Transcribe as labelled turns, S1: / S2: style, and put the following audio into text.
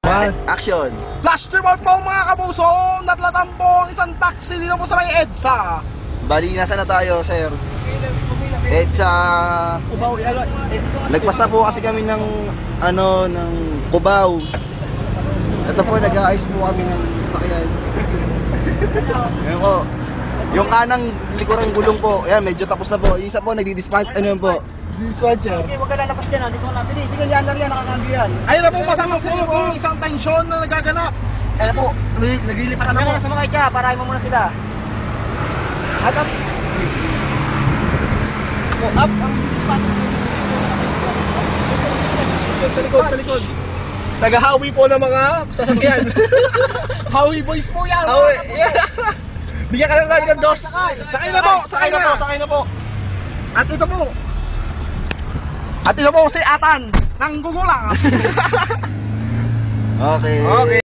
S1: Action!
S2: Flash report po mga kapuso! Naplatan po ang isang taxi dito po sa may EDSA.
S1: Bali, nasa na tayo, sir? EDSA... Lagpas na po kasi kami ng Cubao. Ito po, nag-aayos po kami ng sakyan. Ayan po. Yung kanang likurang gulong po, ayan, medyo tapos na po. Yung isa po, nagdi-dispatch, po? Dispatcher.
S3: Okay, huwag ka lalabas ka na, dito ka napili. Sige, yan lang yan, nakakandi yan.
S2: Ayun na po, masasaksihan po isang tensyon na nagaganap.
S3: Ayan po,
S2: Naglilipat na po.
S3: kaya sa mga itya, parahin mo muna sila.
S2: At up. Up ang dispatch. Sa likod. Nag-hawi po ng mga sasakyan. Hawi boys po yan. Hawi. Bigyan ka lang namin ng dos. Sakay na po. Sakay na po. At ito po. At ito po si Atan ng Gugulang.
S1: Okay.